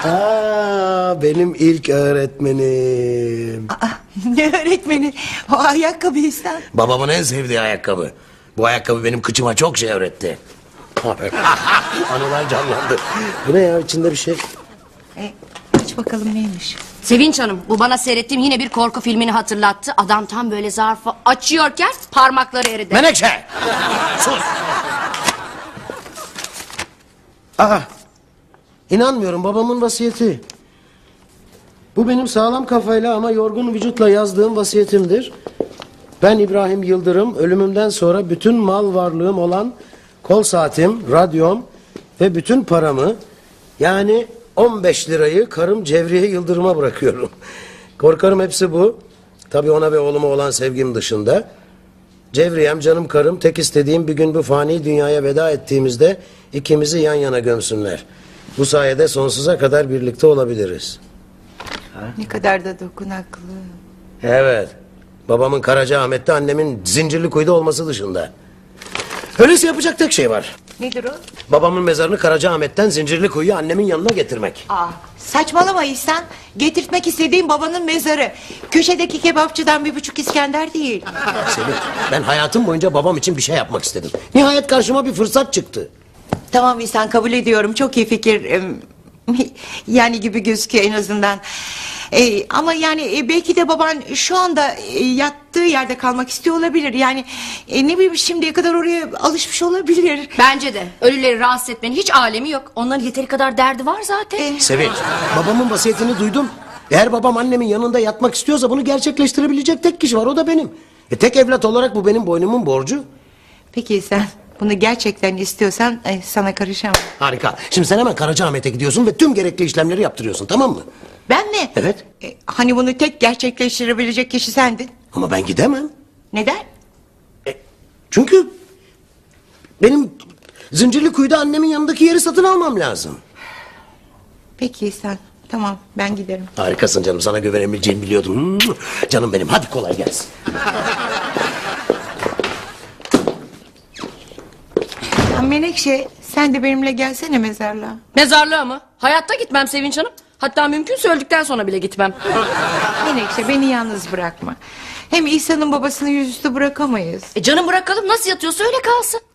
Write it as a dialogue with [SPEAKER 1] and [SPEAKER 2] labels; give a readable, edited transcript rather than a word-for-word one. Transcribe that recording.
[SPEAKER 1] Benim ilk öğretmenim.
[SPEAKER 2] Aa, ne öğretmeni? O ayakkabı İhsan.
[SPEAKER 1] Babamın en sevdiği ayakkabı. Bu ayakkabı benim kıçıma çok şey öğretti. Anılar canlandı. Bu ne ya, içinde bir şey?
[SPEAKER 2] Aç bakalım neymiş.
[SPEAKER 3] Sevinç Hanım, bu bana seyrettiğim yine bir korku filmini hatırlattı. Adam tam böyle zarfı açıyorken parmakları eridi.
[SPEAKER 1] Menekşe! Sus! İnanmıyorum, babamın vasiyeti. Bu benim sağlam kafayla ama yorgun vücutla yazdığım vasiyetimdir. Ben İbrahim Yıldırım, ölümümden sonra bütün mal varlığım olan kol saatim, radyom ve bütün paramı, yani 15 lirayı karım Cevriye Yıldırım'a bırakıyorum. Korkarım hepsi bu. Tabii ona ve oğluma olan sevgim dışında. Cevriyem, canım karım, tek istediğim bir gün bu fani dünyaya veda ettiğimizde ikimizi yan yana gömsünler. Bu sayede sonsuza kadar birlikte olabiliriz.
[SPEAKER 2] Ne kadar da dokunaklı.
[SPEAKER 1] Evet. Babamın Karacaahmet'te, annemin Zincirlikuyu'da olması dışında. Öyleyse yapacak tek şey var.
[SPEAKER 2] Nedir o?
[SPEAKER 1] Babamın mezarını Karacaahmet'ten Zincirlikuyu'ya annemin yanına getirmek.
[SPEAKER 2] Saçmalama İhsan. Getirtmek istediğim babanın mezarı. Köşedeki kebapçıdan 1,5 İskender değil.
[SPEAKER 1] Sevinç, ben hayatım boyunca babam için bir şey yapmak istedim. Nihayet karşıma bir fırsat çıktı.
[SPEAKER 2] Tamam İhsan, kabul ediyorum. Çok iyi fikir. Yani gibi gözüküyor en azından. Ama yani belki de baban şu anda yattığı yerde kalmak istiyor olabilir. Yani ne bileyim, şimdiye kadar oraya alışmış olabilir.
[SPEAKER 3] Bence de ölüleri rahatsız etmenin hiç alemi yok. Onların yeteri kadar derdi var zaten.
[SPEAKER 1] Sevinç, babamın vasiyetini duydum. Eğer babam annemin yanında yatmak istiyorsa bunu gerçekleştirebilecek tek kişi var, o da benim. Tek evlat olarak bu benim boynumun borcu.
[SPEAKER 2] Peki sen bunu gerçekten istiyorsan sana karışamam.
[SPEAKER 1] Harika. Şimdi sen hemen Karacaahmet'e gidiyorsun ve tüm gerekli işlemleri yaptırıyorsun, tamam mı?
[SPEAKER 2] Ben mi?
[SPEAKER 1] Evet.
[SPEAKER 2] Hani bunu tek gerçekleştirebilecek kişi sendin.
[SPEAKER 1] Ama ben gidemem.
[SPEAKER 2] Neden?
[SPEAKER 1] Çünkü benim Zincirlikuyu'da annemin yanındaki yeri satın almam lazım.
[SPEAKER 2] Peki sen, tamam, ben giderim.
[SPEAKER 1] Harikasın canım, sana güvenebileceğimi biliyordum. Canım benim, hadi kolay gelsin.
[SPEAKER 2] Menekşe, sen de benimle gelsene mezarlığa.
[SPEAKER 3] Mezarlığa mı? Hayatta gitmem Sevinç Hanım. Hatta mümkünse öldükten sonra bile gitmem.
[SPEAKER 2] Menekşe, beni yalnız bırakma. Hem İhsan'ın babasını yüzüstü bırakamayız.
[SPEAKER 3] Canım bırakalım, nasıl yatıyorsa öyle kalsın.